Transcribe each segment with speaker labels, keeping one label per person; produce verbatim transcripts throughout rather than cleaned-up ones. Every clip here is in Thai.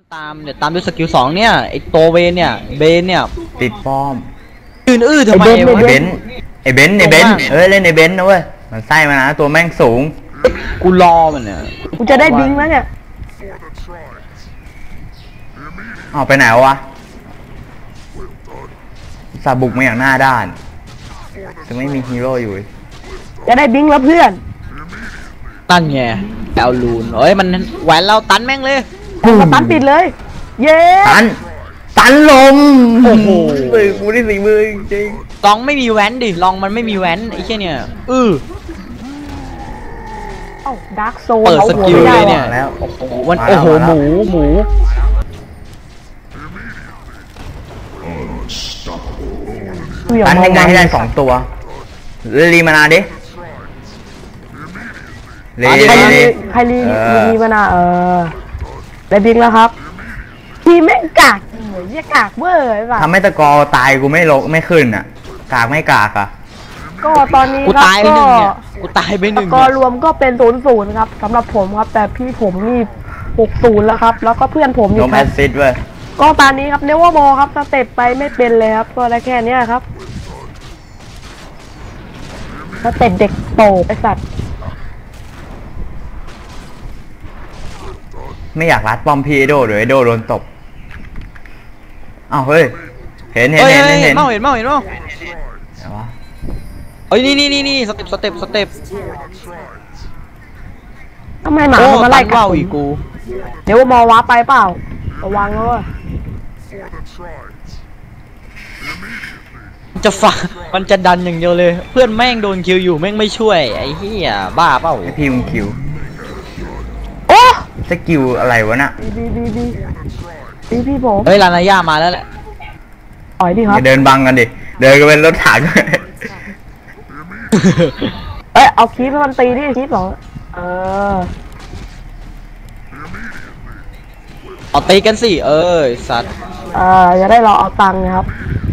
Speaker 1: ตามเดี๋ยวตามด้วยสกิลสองเนี่ยไอตัวเวนเนี่ยเบนเนี่ย
Speaker 2: ติดป้อม
Speaker 1: ยืนอื้อทำไม
Speaker 2: ไอ
Speaker 1: วะ
Speaker 2: เบนไอเบนไอเบนเอ้ยเล่นไอเบนนะเว้ยมันไส้มานะตัวแม่งสูง
Speaker 1: กูรอมันเนี่ย
Speaker 3: กูจะได้บิงแล้วเนี่ย
Speaker 2: ออกไปไหนวะสาบุกมาอย่างหน้าด้านจะไม่มีฮีโร่อยู่
Speaker 3: จะได้บิงแล้วเพื่อน
Speaker 1: ตั้นไงแอลลูนเอ้ยมันแหวนเราตันแม่งเลย
Speaker 3: มาตันปิดเลยเย้
Speaker 2: ตันตันลม
Speaker 1: โอ้โห
Speaker 2: มือกูได้สี่มือจริง
Speaker 1: ลองไม่มีแหวนดิลองมันไม่มีแหวนไอ้แค่เนี่ยอือ
Speaker 3: เอ้าดาร์กโซ
Speaker 1: เปิดสกิลเลยเนี่ย
Speaker 2: แล้ว
Speaker 1: โอ้โหวันโอ้โหหมูหมู
Speaker 2: ตันยังไงให้ได้สองตัวรีมานาดิ
Speaker 3: ใครรีใครรีรีมานาเออได้บิงแล้วครับทีแม่งกากเหมือนยี่กากเวอร์ไอ้บ้า
Speaker 2: ทำให้ตะกอตายกูไม่ลงไม่ขึ้นอ่ะกากไม่กากอ่ะ
Speaker 3: ก็ตอนนี้
Speaker 1: กูตายไปหนึ่งเนี่ยกูตายไปหนึ่ง
Speaker 3: ก็รวมก็เป็นศูนย์ศูนย์ครับสำหรับผมครับแต่พี่ผมนี่หกศูนย์แล้วครับแล้วก็เพื่อนผมอยู่
Speaker 2: ครับแอซิดเว้ย
Speaker 3: ก็ตอนนี้ครับเนวอร์บอลครับสเต็ปไปไม่เป็นเลยครับก็ได้แค่นี้ครับสเต็ปเด็กโตไอสัตว์
Speaker 2: ไม่อยากรัดป้อมพีไอโดหรือไอโดโดนตบอ้าวเฮ้ยเห็นเห็นเห็นเห็น
Speaker 1: เมาเห็นเมาเห็นเมา
Speaker 2: ไหนวะ
Speaker 1: เอ้ยนี่นี่นี่นี่สเต็ปสเต็ปสเต็ป
Speaker 3: ทำไมหมามาไล่
Speaker 1: กัดอีกกู
Speaker 3: เดี๋ยวมอว้าไปเปล่าระวังเลย
Speaker 1: จะฝังมันจะดันอย่างเดียวเลยเพื่อนแม่งโดนคิวอยู่แม่งไม่ช่วยไอ้เหี้ยบ้าเปล่า
Speaker 2: ไอพี่มึงคิว
Speaker 3: โอ้
Speaker 2: สกิลอะไรวะน่ะ
Speaker 3: ดีดีดีดีพี่ผม
Speaker 1: เฮ้ยลานาย่ามาแล้วแหละ
Speaker 3: ต่อยดิครับ
Speaker 2: เดินบังกันดิเดินกันเป็นรถถัง
Speaker 3: เอ้ยเอาคีบให้มันตีดิคีบหรอเออ
Speaker 1: เอาตีกันสิเออสัตว์
Speaker 3: เออจะได้รอเอาตังค์ครับ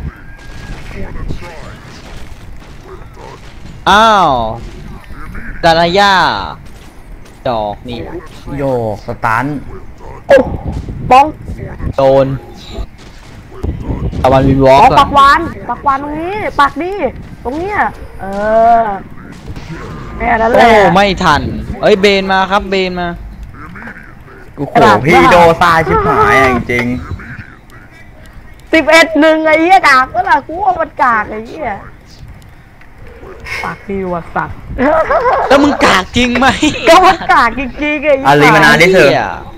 Speaker 1: อ้าวลานาย่าดอกนี่
Speaker 2: โยกสตัน
Speaker 3: โอ้บ้อง
Speaker 1: โดนตะวันวินวอล์ก
Speaker 3: ปักวานปักวานตรงนี้ปักดิตรงเนี้ยเออแม่นั่นแหละ
Speaker 1: โอ้ไม่ทันเอ้ยเบนมาครับเบนมา
Speaker 2: กูโขพี่โดซาชิบหายจริง
Speaker 3: สิบเอ็ดหนึ่งไอ้เหี้ยกากก็ล่ะกูว่ามันกากไอ้เหี้ยปากดีว่ะสัตว์
Speaker 1: แล้วมึงกากจริงไหม
Speaker 3: ก็มันกากจริงๆไอ้
Speaker 2: อารีมานาดิเถอะ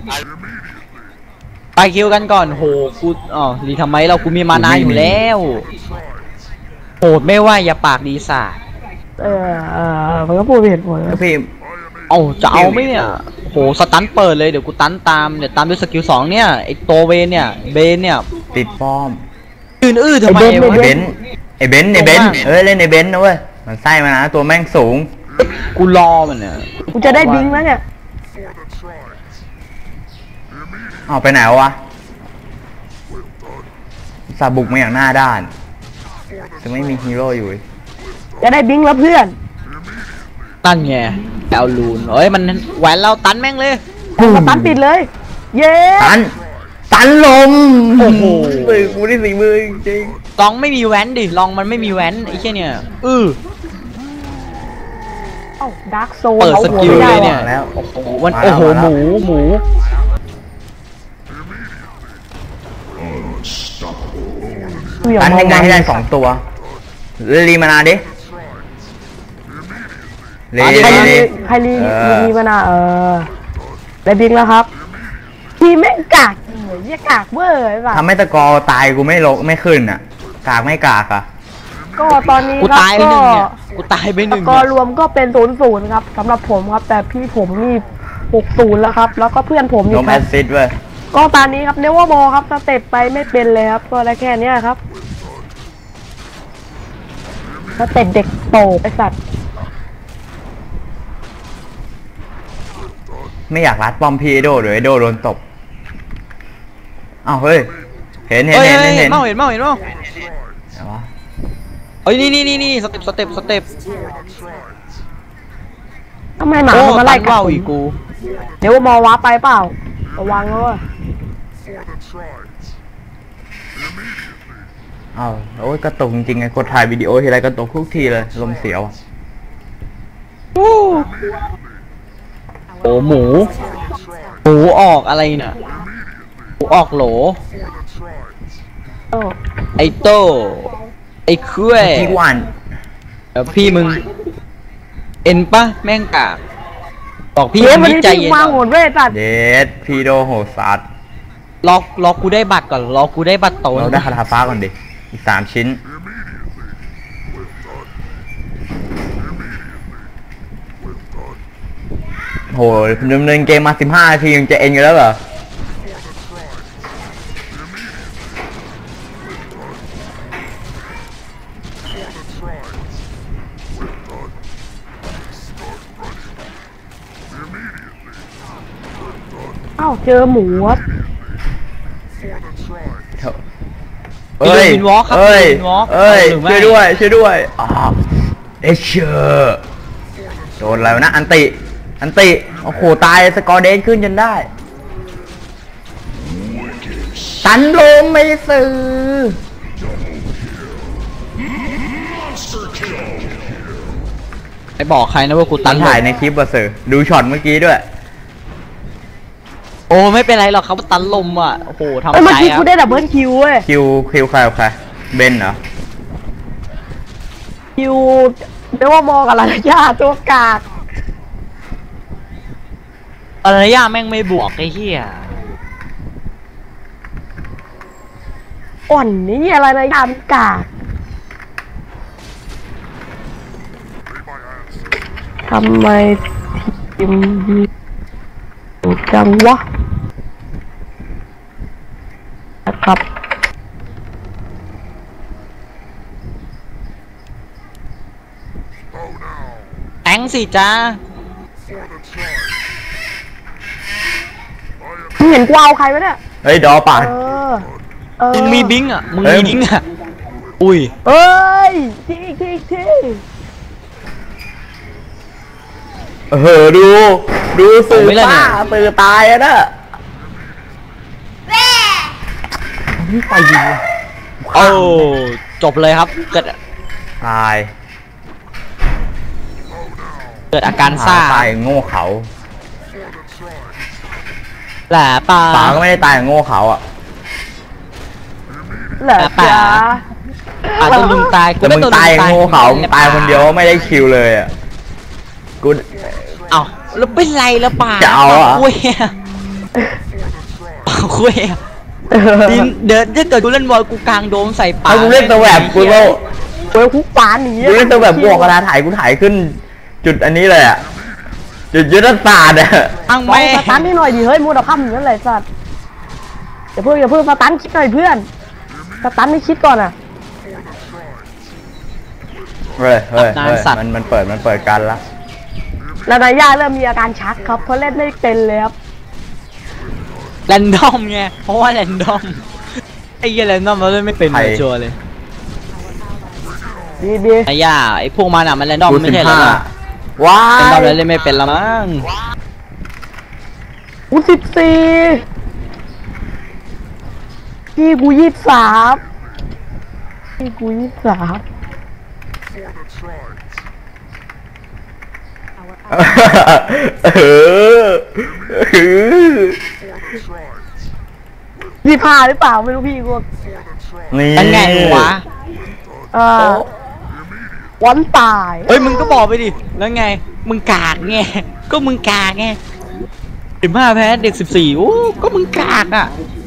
Speaker 1: ไปคิวกันก่อนโหกูอ๋อรีทำไมเรากูมีมานาอยู่แล้วโหดไม่ว่าอย่าปากดีสาด
Speaker 3: เออเออมันก็พูดเห็นผล
Speaker 2: พี่
Speaker 1: เอาจะเอาไหมเนี่ยโหสตันเปิดเลยเดี๋ยวกูตันตามเดี๋ยวตามด้วยสกิลสองเนี่ยไอตัวเวนเนี่ยเบนเนี่ย
Speaker 2: ติดป้อม
Speaker 1: ยืนอื้อทำไม
Speaker 2: วะไอเบนไอเบนไอเบนเอ้ยเล่นไอเบนนะเว้ยมันไส้มานะตัวแม่งสูง
Speaker 1: กูรอมันเนี่ย
Speaker 3: กูจะได้บิงแล้วเนี่ย
Speaker 2: ออกไปไหนวะสาบุกมาอย่างหน้าด้านจะไม่มีฮีโร่อยู่
Speaker 3: จะได้บิงแล้วเพื่อน
Speaker 1: ตั้นไงแอลลูนเอ้ยมันแหวนเราตันแม่งเลย
Speaker 3: มาตันปิดเลยเย้
Speaker 2: ตันตันลม
Speaker 1: โอ้โห
Speaker 2: มือกูได้สี่มือจริง
Speaker 1: ลองไม่มีแหวนดิลองมันไม่มีแหวนไอ้แค่เนี่ยอือ
Speaker 3: เอ้าดาร์กโซ
Speaker 1: เปิดสกิลเลยเนี่ยแล้วโอ้โหวันโอ้โหหมูหมู
Speaker 2: ตันยังไงให้ได้สองตัวรีมานาดิ
Speaker 3: ใครรีใครรีรีมานาเออได้บิงแล้วครับทีแม่งกากเหมือนยี่กากเวอร์ไอ้บ้า
Speaker 2: ทำให้ตะกอตายกูไม่ลงไม่ขึ้นอ่ะกากไม่กากอ่ะ
Speaker 3: ก็ตอนนี้
Speaker 1: กูตายไปหนึ่งเนี่ยกูตายไปหนึ่ง
Speaker 3: ก็รวมก็เป็นศูนย์ศูนย์ครับสำหรับผมครับแต่พี่ผมนี่หกศูนย์แล้วครับแล้วก็เพื่อนผมอยู่
Speaker 2: ครับแอซิดเว้ย
Speaker 3: ก็ตอนนี้ครับเนวอร์บอลครับสเต็ปไปไม่เป็นเลยครับก็ได้แค่นี้ครับสเต็ปเด็กโตไอสัตว์
Speaker 2: ไม่อยากรัดป้อมพีไอโดหรือไอโดโดนตบอ้าวเฮ้ยเห็นเห็นเห็นเห็น
Speaker 1: เมาเห็นเมาเห็นเมา
Speaker 2: ไหนวะ
Speaker 1: เอ้ยนี่นี่นี่นี่สเต็ปสเต็ปสเต็ป
Speaker 3: ทำไมหมามาไล่กัด
Speaker 1: อีกกู
Speaker 3: เดี๋ยวมอว้าไปเปล่าระวังเลย
Speaker 2: อ้าวโอ้ยกระตุกจริงๆไงกดถ่ายวิดีโอทีไรกระตุกทุกทีเลยลมเสียวอะ
Speaker 1: โอ้หมูหมูออกอะไรเนี่ยหมูออกโหล
Speaker 3: โอ้
Speaker 1: ไอโต้ไอเครื่อย
Speaker 2: พี่วัน
Speaker 1: เดี๋ยวพี่มึง เอ็นปะแม่งกากบอกพี่
Speaker 3: เฮ้ย
Speaker 1: มึ
Speaker 3: วัน
Speaker 1: ง
Speaker 3: นี้
Speaker 1: ใจ
Speaker 3: พี่
Speaker 1: เย็น
Speaker 3: มา
Speaker 1: ก่อน
Speaker 3: โหดเว้ยสัตว์
Speaker 2: เดดพี่โดโหสัตว์
Speaker 1: รอรอกูได้บัตรก่อนรอกูได้บัตรโต
Speaker 2: เราได้คาถาฟ้าก่อนดิอีกสามชิ้นโหดำเนินเกมมาสิบห้านาทียังจะเอ็นอยู่แล้วเหรอ
Speaker 3: เอ้าเจอหมูครับ
Speaker 1: เอ้ยวินวอล์กครับ
Speaker 2: เอ้ย
Speaker 1: วินวอล์ก
Speaker 2: เอ้ย
Speaker 1: หรือไม่
Speaker 2: ช่วยด้วยช่วยด้วยอ้าวเอชเชอร์โดนอะไรวะนะอันติอันติโอ้โหตายสกอร์เดนขึ้นจนได้ตันลมไม่ซื้อ
Speaker 1: ไปบอกใครนะว่ากู
Speaker 2: ตั
Speaker 1: ตั
Speaker 2: น
Speaker 1: น
Speaker 2: ถ่าย
Speaker 1: ลม
Speaker 2: ในคลิปบอสเซอร์ดูช็อตเมื่อกี้ด้วย
Speaker 1: โอ้ไม่เป็นไรหรอกครับตันลมอ่ะโอ้โหทำ
Speaker 3: เอ้ยเมื่อ
Speaker 1: ใจ
Speaker 3: กี้
Speaker 1: ครั
Speaker 3: กู
Speaker 1: บ
Speaker 3: ได้ดับเบิลคิวเว้ย
Speaker 2: คิวคิวใครกับใครเบนเหรอ
Speaker 3: คิวเรียกว่ามองกับลายาตัวกาก
Speaker 1: อะไรย่าแม่งไม่บวกไอ้เหี้ย
Speaker 3: อ่อนนี่อะไรนะยามกากทำไมทีมดูจังวะนะครับ
Speaker 1: แองสิจ้า
Speaker 3: มึงเห็นกูเอาใครไหมเนี่ย
Speaker 2: เฮ้ยดอป่ะ
Speaker 3: เออเออ
Speaker 1: มึงมีบิงอ่ะมึง
Speaker 2: เอ้
Speaker 1: มี
Speaker 2: ย
Speaker 1: บิงอ่ะอุ้ย
Speaker 3: เอ้ยที่ที่ที่
Speaker 2: เออดูดูสื่อป้าสื่อตายอะนะนี่ไปยิงว่ะ
Speaker 1: โอ้จบเลยครับเกิด
Speaker 2: ตาย
Speaker 1: เกิดอาการซ่า
Speaker 2: ตายโง่เขา
Speaker 1: แหละปลา
Speaker 2: ป๋าก็ไม่ได้ตายโง่เขาอ่ะ
Speaker 3: เหรอ
Speaker 1: ป่า
Speaker 3: จ๊ะ
Speaker 1: อาจจะมึงตาย
Speaker 2: แต่มึงตายโง่เขามึงตายคนเดียวไม่ได้คิวเลยอ่ะกู
Speaker 1: เอ้าแล้วเป็นไรแล้วป่า
Speaker 2: จะเอาเหรอ
Speaker 1: ป่คุยอะป่าคุยอะดินเดินถ้าเกิดกูเล่นบอลกูกลางโดมใส่ป่า
Speaker 2: ถ้ากูเล่นตัวแบบกูก็
Speaker 3: เว้ยคุกปานหนี
Speaker 2: กูเล่นตัวแบบกูออกกระดาษถ่ายกูถ่ายขึ้น จุดอันนี้เลยอ่ะจุดยุทธศาสตร์อ่ะ
Speaker 1: อัง
Speaker 3: มอ
Speaker 1: ไม่
Speaker 3: งสตันนี่หน่อยดิเฮ้ยมูดค่ำอย่างนั้นเลยสัตว์อย่าเพิ่งอย่าเพิ่งสตันคิดหน่อยเพื่อนสตันไม่คิดก่อนอ่ะ
Speaker 2: เฮ้ยเฮ้ยเฮ้ยมันมันเปิดมันเปิดกันละ
Speaker 3: แล้วนายย่าเริ่มมีอาการชักครับเพราะเล่นไม่เป็นเลยครับ
Speaker 1: แรนดอมไงเพราะว่าแรนดอมไอ้เหี้ยแรนดอมเราเล่นไม่เป็นเลยชัวร์เลย
Speaker 3: ดีดี
Speaker 1: ไอ้ย่าไอ้พวกมันอ่ะมันแรนดอม
Speaker 2: กู
Speaker 1: ไม่
Speaker 2: สิบ
Speaker 1: ใช่เหรอ
Speaker 2: ห้าว้า
Speaker 1: แรนดอม
Speaker 2: ย
Speaker 1: แล้วเล่นไม่เป็นละมั้ง
Speaker 3: กูสิบสี่พี่กูยี่สิบสามพี่กูยี่สิบสาม
Speaker 2: เออเออ
Speaker 3: ยี่สิบห้าหรือเปล่าไม่รู้พี่กู
Speaker 2: นี่
Speaker 1: เป็นไงวะ
Speaker 3: เอ่อวันตาย
Speaker 1: เฮ้ยมึงก็บอกไปดิแล้วไงมึงกากไงก็มึงกากไงสิบห้าแพ้เด็กสิบสี่โอ้ก็มึงกากอ่ะ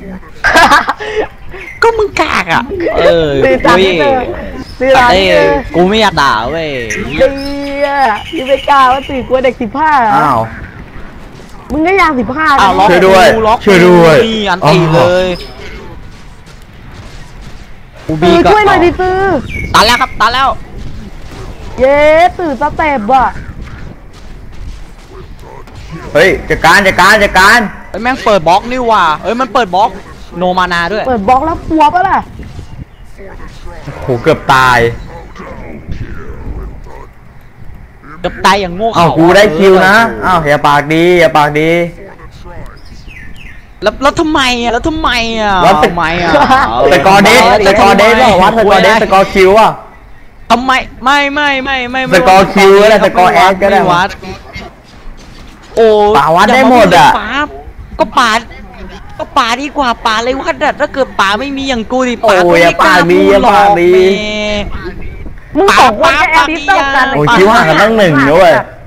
Speaker 1: ก็มึงกากอ่ะเออ
Speaker 3: ตื่นจาก
Speaker 1: เว้ย
Speaker 3: ที่เจอตื่นจาก
Speaker 1: เอ้ย
Speaker 3: ที่เจอ
Speaker 1: กูไม่อยากด่าเว้ย
Speaker 3: ดีอ่ะยังไม่กล้าว่าตื่นกลัวเด็กสิบห้า
Speaker 2: อ้าว
Speaker 3: มึงก็ยังสิบห้า
Speaker 1: อ้าวล็อก
Speaker 2: ช่วยด้วย
Speaker 1: กูล็อก
Speaker 2: ช่วยด้วย
Speaker 1: นี่อันตี
Speaker 2: อ๋อ
Speaker 1: เลยกู
Speaker 3: ตื่
Speaker 1: บี
Speaker 3: น
Speaker 1: ก็
Speaker 3: ช่วยหน่อยดิตื้อ
Speaker 1: ตันแล้วครับตันแล้ว
Speaker 3: เย้ตื่นสเต็ปอ่ะ
Speaker 2: เฮ้ยจัดการจัดการจัดการ
Speaker 1: เฮ้ยแม่งเปิดบล็อกนี่ว่ะเฮ้ยมันเปิดบล็อกโนมานาด้วย
Speaker 3: เปิดบล็อกแล้วปัวปะล่ะ
Speaker 2: โหเกือบตาย
Speaker 1: เกับตายอย่างโง่
Speaker 2: อ้าว
Speaker 1: เขา
Speaker 2: กูได้คิวนะ
Speaker 1: เออ
Speaker 2: อ้าวอย่าปากดีอย่าปากดี
Speaker 1: แล้วแล้วทำไมอ่ะแล้วทำไมอ่ะ
Speaker 2: วัด
Speaker 1: ทำไมอ่ะ
Speaker 2: สกอร์เดสสกอร์เดสว่าวัดสกอร์เดสสกอร์คิวอ่ะ
Speaker 1: ทำไมไม่ไม่ไม่ไม่ไม่
Speaker 2: สกอร์คิวก็ได้สกอร์แอดก็ได้
Speaker 1: ม่วัดโอ้
Speaker 2: ป่าวัดได้หมดอะ
Speaker 1: ป่าก็ป่าก็ป่าดีกว่าป่าเลยวัดอะถ้าเกิดป่าไม่มีอย่างกูดิป่า
Speaker 2: โอ้
Speaker 1: ก็
Speaker 2: ย
Speaker 1: ไม่กล้า
Speaker 2: ป่าดี
Speaker 1: พูดหรอก
Speaker 2: ป่าดี
Speaker 1: แหม
Speaker 3: มึงสองคนแค่แอดดิสต้องกัน
Speaker 2: โอ้ยคิดว่ากันตั้งหนึ่งด้วย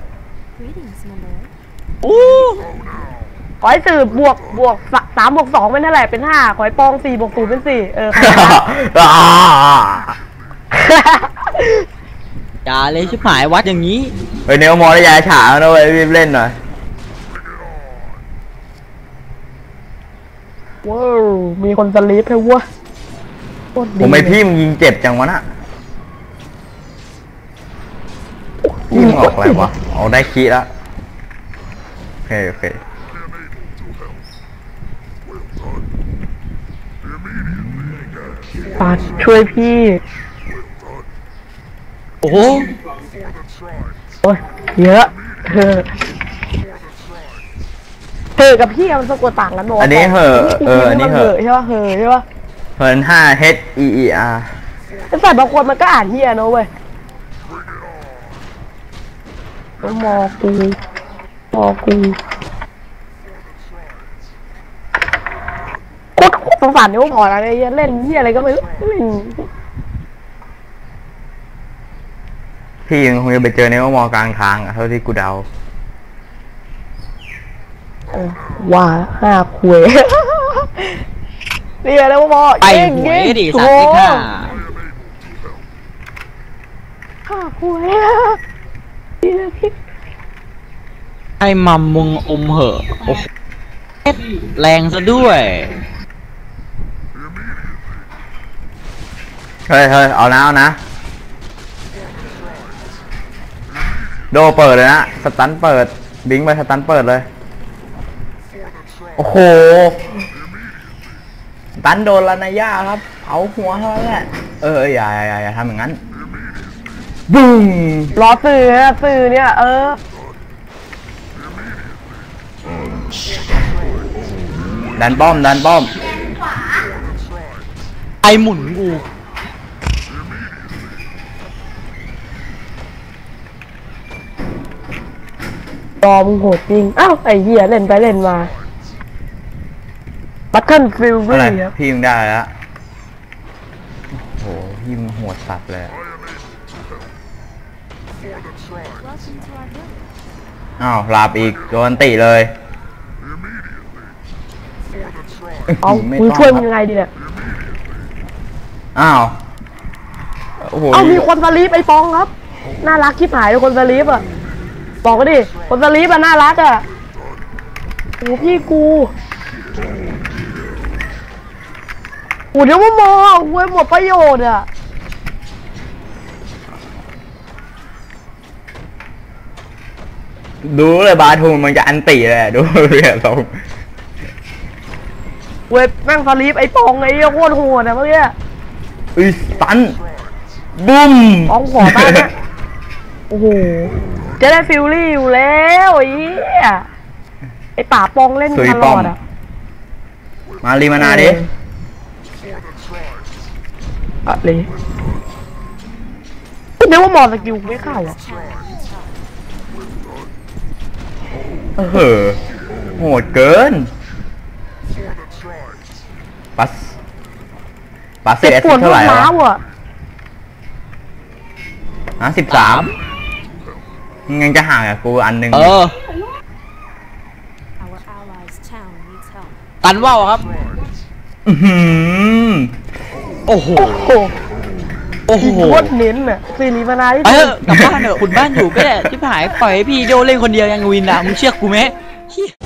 Speaker 1: อู้
Speaker 3: ขอให้สื่อบวกบวกสามบวกสองเป็นเท่าไหร่เป็นห้าขอให้ปองสี่บวกศูนย์เป็นสี่เออ
Speaker 2: อ่า
Speaker 1: อย่าเลยชิบหายวัดอย่างนี้
Speaker 2: เฮ้ยเนวมอได้ยาฉาแล้วนะเว้ยรีบเล่นหน่อย
Speaker 3: ว้าวมีคนสลีปให้วะโคตรดี
Speaker 2: ผมไม่พี่มึงยิงเจ็บจังวะน่ะพี่มึงออกอะไรวะเอาได้คีย์แล้วโอเคโอเค
Speaker 3: ปัดช่วยพี่
Speaker 1: โอ้โห
Speaker 3: โอ้ยเยอะเธอเธอกับพี่มันสะกดต่างกันบอก
Speaker 2: อันนี้เหอะเอออันนี้เหอะ
Speaker 3: ใช่ป่ะเหอะใช่ป่ะ
Speaker 2: เฮิร์นห้า H E E R
Speaker 3: แต่ใส่บางคนมันก็อ่านเฮียนะเว้ยมอกูมอกูโคตรโคตรสงสารนิ้วพอแล้วเนี่ยเล่นเฮียอะไรก็ไม่รู้เล่น
Speaker 2: พี่ยังคงจะไปเจอเนวมอกลางทางอะเท่าที่กูเดา
Speaker 3: เออว่าห้าคุยเรียกแล้วมอ
Speaker 1: ไป
Speaker 3: เก่ง
Speaker 1: หว
Speaker 3: เก่
Speaker 1: ย
Speaker 3: ง
Speaker 1: ดิ
Speaker 3: โถ
Speaker 1: สัตว์ที่ข้า
Speaker 3: ห้าคุยพี่พี่
Speaker 1: ให้มัมมึงอมเหอะโอ้โหแรงซะด้วย
Speaker 2: เฮ้ยเฮ้ยเอานะเอานะโดเปิดเลยนะสตันเปิดบิงไปสตันเปิดเลยโอ้โหสตันโดนลานาย่าครับเอาหัวเท่านั้นแหละเอออย่าอย่าอย่าอย่าทำอย่างนั้นบึ้ง
Speaker 3: รอสื่อนะสื่อเนี่ยเออ
Speaker 2: ดันป้อมดันป้อม
Speaker 1: ไอหมุนกู
Speaker 3: รอมึงโหดจริงอ้าวไอ้เหี้ยเล่นไปเล่นมาบัตเทิลฟิล
Speaker 2: อะไร
Speaker 3: รี่ครับ
Speaker 2: พี่มึงได้แล้วโอ้โหพี่มึงโหดสัตว์เลยอ้าวลาบอีกโดนติเลย
Speaker 3: เอา
Speaker 2: ไม่
Speaker 3: มึง
Speaker 2: ต้อง
Speaker 3: ช่วย
Speaker 2: ค
Speaker 3: มึ
Speaker 2: รับ
Speaker 3: งยังไงดีเนี่ย
Speaker 2: อ้าวโอ้โห
Speaker 3: เอามีคนสลีปไอ้ปองครับน่ารักคิดหายเลยคนสลีปอ่ะบอกก็ดิคนสลีปอ่ะน่ารักอ่ะโอ้พี่กูโอ้เดี๋ยวว่ามองเว้ยหมดประโยชน์อ่ะ
Speaker 2: ดูเลยบาทูมันจะอันติเลยอะดูเรียสอง
Speaker 3: เว้ยแม่งสลีปไอ้ปองไอ้เหี้ยโคตรโหดอ่ะเมื่อกี้
Speaker 2: อุ้ยตันบุ้ม
Speaker 3: ปองขอบ้านนะโอ้โหจะได้ฟิลลี่อยู่แล้วไอ้เหี้ยไอ้ป่าปองเล่นตลอดอ่ะ
Speaker 2: มารีมานาดิ
Speaker 3: อะไรเดี๋ยวว่ามอสกิลไม่เข้าอ่ะ
Speaker 2: เออโหดเกินปัสปัสเซ
Speaker 3: เจ็บ
Speaker 2: ต
Speaker 3: ปวด
Speaker 2: เท่าไหร่
Speaker 3: ร้าว
Speaker 2: วะ
Speaker 3: อ่ะ
Speaker 2: อ่ะสิบสามยังจะห่างกับกูอันหนึ่ง
Speaker 1: เออ
Speaker 4: Our allies' town needs help.
Speaker 1: ตันว่าวครับ
Speaker 2: อื้อหือ
Speaker 1: โอ้โห
Speaker 3: โอ้โห
Speaker 1: โอ้โห
Speaker 3: โคตรเน้นอ่ะซีรีมานาที่
Speaker 1: เอ
Speaker 3: สุ
Speaker 1: อ
Speaker 3: ด
Speaker 1: กลับบ้านเถอะคุณบ้านอยู่ก็ได้ชิบหายปล่อยให้พี่โดเล่นคนเดียวยังวินอ่ะมึงเชื่อกูไหมเหี้ย